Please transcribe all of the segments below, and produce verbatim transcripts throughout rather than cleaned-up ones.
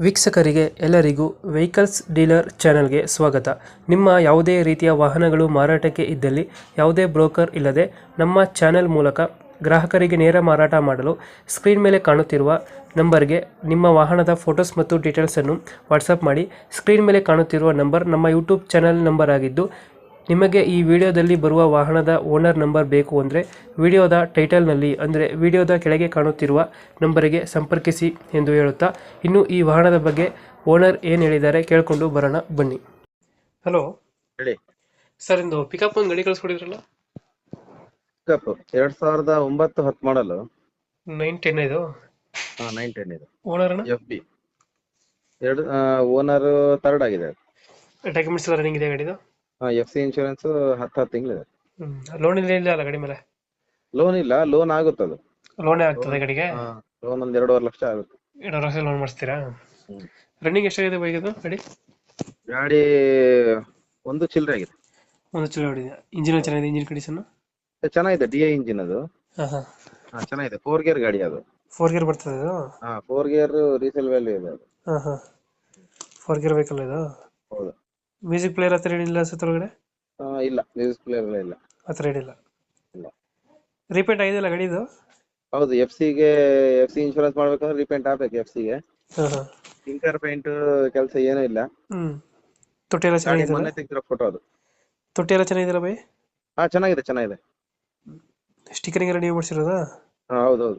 ವೀಕ್ಷಕರಿಗೆ ಎಲ್ಲರಿಗೂ vehicles dealer ಚಾನೆಲ್ಗೆ ಸ್ವಾಗತ. ನಿಮ್ಮ ಯಾವುದೇ ರೀತಿಯ ವಾಹನಗಳು ಮಾರಾಟಕ್ಕೆ ಇದ್ದಲ್ಲಿ ಯಾವುದೇ ಬ್ರೋಕರ್ ಇಲ್ಲದೆ ನಮ್ಮ ಚಾನೆಲ್ ಮೂಲಕ ಗ್ರಾಹಕರಿಗೆ ನೇರ ಮಾರಾಟ ಮಾಡಲು ಸ್ಕ್ರೀನ್ ಮೇಲೆ ಕಾಣುತ್ತಿರುವ ನಂಬರ್ಗೆ ನಿಮ್ಮ ವಾಹನದ ಫೋಟೋಸ್ ಮತ್ತು ಡೀಟೇಲ್ಸನ್ನು ವಾಟ್ಸಪ್ ಮಾಡಿ. ಸ್ಕ್ರೀನ್ ಮೇಲೆ ಕಾಣುತ್ತಿರುವ ನಂಬರ್ ನಮ್ಮ ಯೂಟ್ಯೂಬ್ ಚಾನೆಲ್ ನಂಬರ್ ಆಗಿದ್ದು, ನಿಮಗೆ ಈ ವಿಡಿಯೋದಲ್ಲಿ ಬರುವ ವಾಹನದ ಓನರ್ ನಂಬರ್ ಬೇಕು ಅಂದರೆ ವಿಡಿಯೋದ ಟೈಟಲ್ನಲ್ಲಿ ಅಂದರೆ ವಿಡಿಯೋದ ಕೆಳಗೆ ಕಾಣುತ್ತಿರುವ ನಂಬರಿಗೆ ಸಂಪರ್ಕಿಸಿ ಎಂದು ಹೇಳುತ್ತಾ, ಇನ್ನು ಈ ವಾಹನದ ಬಗ್ಗೆ ಓನರ್ ಏನು ಹೇಳಿದ್ದಾರೆ ಕೇಳಿಕೊಂಡು ಬರೋಣ ಬನ್ನಿ. ಹಲೋ ಹೇಳಿ ಸರ್, ಇಂದು ಪಿಕಪ್ ಒಂದು ಗಾಡಿ ಕಳಿಸ್ಕೊಡಿದ್ರಲ್ಲ, ಪಿಕಪ್ ಎರಡ್ ಸಾವಿರದ ಒಂಬತ್ತು ಹತ್ತು ಮಾಡಲು ನೈನ್ ಟೆನ್ ಇದು ನೈನ್ ಟೆನ್ ಇದು ಓನರ್ ಎಫ್ ಬಿ ಎರಡು ಓನರ್ ಥರ್ಡ್ ಆಗಿದೆ. ಡಾಕ್ಯುಮೆಂಟ್ಸ್ ಎಲ್ಲ ರನ್ನಿಂಗ್ ಇದೆ ಗಾಡಿದು? ಎಫ್ ಸಿ ಇನ್ಶೂರೆನ್ಸ್ ಹತ್ತು ಹತ್ತು ತಿಂಗಳಿದೆ. ಲೋನ್ ಇಲ್ಲ ಇಲ್ಲ ಅಲ್ಲ ಗಾಡಿ ಮೇಲೆ? ಲೋನ್ ಇಲ್ಲ, ಲೋನ್ ಆಗುತ್ತೆ. ಅದು ಲೋನೇ ಆಗ್ತದೆ ಗಾಡಿಗೆ? ಲೋನ್ ಒಂದ್ ಎರಡೂವರೆ ಲಕ್ಷ ಆಗುತ್ತೆ. ಎರಡು ವರ್ಷ ಲೋನ್ ಮಾಡಿಸ್ತೀರಾ? ಹ್ಮ್. ರನ್ನಿಂಗ್ ಎಷ್ಟಾಗಿದೆ ಬೈಕ್ ಇದು ಗಾಡಿ? ಗಾಡಿ ಒಂದು ಚಿಲ್ಲರೆ ಆಗಿದೆ. ಒಂದು ಚಲೋ ಹೊಡಿದೆ. ಇಂಜಿನ್ ಚೆನ್ನಾಗಿದೆ? ಇಂಜಿನ್ ಕಂಡೀಷನ್ ಚೆನ್ನಾಗಿದೆ. ಡಿ ಐ ಇಂಜಿನ್ ಅದು. ಹಾಂ ಹಾಂ ಹಾ, ಚೆನ್ನಾಗಿದೆ. ಫೋರ್ ಗೇರ್ ಗಾಡಿ ಅದು. ಫೋರ್ ಗೇರ್ ಬರ್ತದೆ ಇದು? ಹಾ, ಫೋರ್ ಗೇರ್ ರೀಸೇಲ್ ವ್ಯಾಲ್ಯೂ ಇದೆ ಅದು. ಹಾಂ ಹಾಂ ಫೋರ್ ಗೇರ್ ಬೇಕಲ್ಲ ಇದು? ಹೌದು. ಮ್ಯೂಸಿಕ್ ಪ್ಲೇಯರ್ ಹತ್ರ ಏನಿಲ್ಲ ಅನ್ಸುತ್ತೆ ಒಳಗಡೆ? ಆ, ಇಲ್ಲ, ಮ್ಯೂಸಿಕ್ ಪ್ಲೇಯರ್ ಇಲ್ಲ. ಹತ್ರ ಏನಿಲ್ಲ. ಇಲ್ಲ. ರೀಪೇಂಟ್ ಆಗಿದೆಯಲ್ಲ ಗಾಡಿ ಇದು? ಹೌದು. ಎಫ್ ಸಿಗೆ ಎಫ್ ಸಿ ಇನ್ಶೂರೆನ್ಸ್ ಮಾಡ್ಬೇಕಂದ್ರೆ ರೀಪೇಂಟ್ ಆಗ್ಬೇಕು ಎಫ್ ಸಿಗೆ. ಹಾಂ ಹಾಂ ಟಿಂಕರ್ ಪೇಂಟ್ ಕೆಲಸ ಏನೂ ಇಲ್ಲ. ಹ್ಞೂ ತೊಟ್ಟಿ ಎಲ್ಲ ಗಾಡಿ ಚೆನ್ನಾಗಿದೆ? ಮೊನ್ನೆ ತೆಗ್ದಿರೋ ಫೋಟೋ ಅದು. ತೊಟ್ಟಿ ಎಲ್ಲ ಚೆನ್ನಾಗಿದೆಯಲ್ಲ ಬೈ? ಹಾ, ಚೆನ್ನಾಗಿದೆ ಚೆನ್ನಾಗಿದೆ. ಸ್ಟಿಕರಿಂಗ್ ಎಲ್ಲ ನೀವು ಮಾಡಿಸಿರೋದಾ? ಹಾ, ಹೌದೌದು.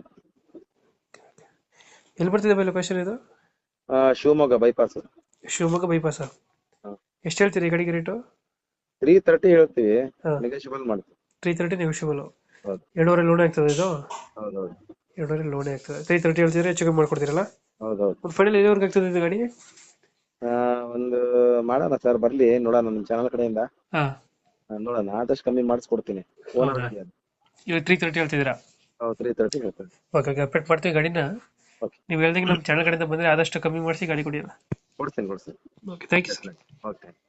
ಎಲ್ಲಿ ಬರ್ತಿದೆ ಬೈ ಲೊಕೇಶನ್ ಇದು? ಆ, ಶಿವಮೊಗ್ಗ ಬೈಪಾಸ್. ಶಿವಮೊಗ್ಗ ಬೈಪಾಸ? ಹಾ. ಎಷ್ಟು ಹೇಳ್ತೀರಿ ಗಾಡಿಗೆ ರೇಟು? ತ್ರೀ ತರ್ಟಿ ಹೇಳ್ತೀವಿ, ಹಾಂ ನೆಗೋಷಿಯಬಲ್ ಮಾಡ್ತೀವಿ. Three thirty negotiable. ಹೌದು ಎರಡೂವರೆ ಲೋನ್ ಆಗ್ತದೆ ಇದು? ಹೌದೌದು ಎರಡೂವರೆ ಲೋನೇ ಆಗ್ತದೆ. ತ್ರೀ ತರ್ಟಿ ಹೇಳ್ತಿದ್ರೆ ಹೆಚ್ಚು ಕಮ್ಮಿ ಮಾಡ್ಕೊಡ್ತೀರಲ್ಲ? ಹೌದೌದು. ಒಂದು ಫೈನಲ್ ಎಲ್ಲಿವರೆಗೆ ಆಗ್ತದೆ ಇದು ಗಾಡಿ? ಆ, ಒಂದು ಮಾಡೋಣ ಸರ್, ಬರ್ಲಿ ನೋಡೋಣ. ನಮ್ಮ ಚಾನಲ್ ಕಡೆಯಿಂದ ಹಾಂ ಆ, ನೋಡೋಣ, ಆದಷ್ಟು ಕಮ್ಮಿ ಮಾಡಿಸ್ಕೊಡ್ತೀನಿ. ಓನರ್ ಗಾಡಿ ಅದು. ಇವಾಗ ತ್ರೀ ತರ್ಟಿ ಹೇಳ್ತಿದ್ದೀರಾ? ಹೌದು, ತ್ರೀ ತರ್ಟಿ ಹೇಳ್ತೀನಿ. ಓಕೆ ಓಕೆ ಅಪ್ಡೇಟ್ ಮಾಡ್ತೀವಿ ಗಾಡಿನ. ಓಕೆ, ನೀವು ಹೇಳ್ದಂಗೆ ನಮ್ಮ ಚಾನಲ್ ಕಡೆಯಿಂದ ಬಂದರೆ ಆದಷ್ಟು ಕಮ್ಮಿ ಮಾಡಿಸಿ ಗಾಡಿ ಕೊಡಿ. ಕೊಡ್ತೀನಿ ಕೊಡ್ತೀನಿ. Okay thank you sir. Okay.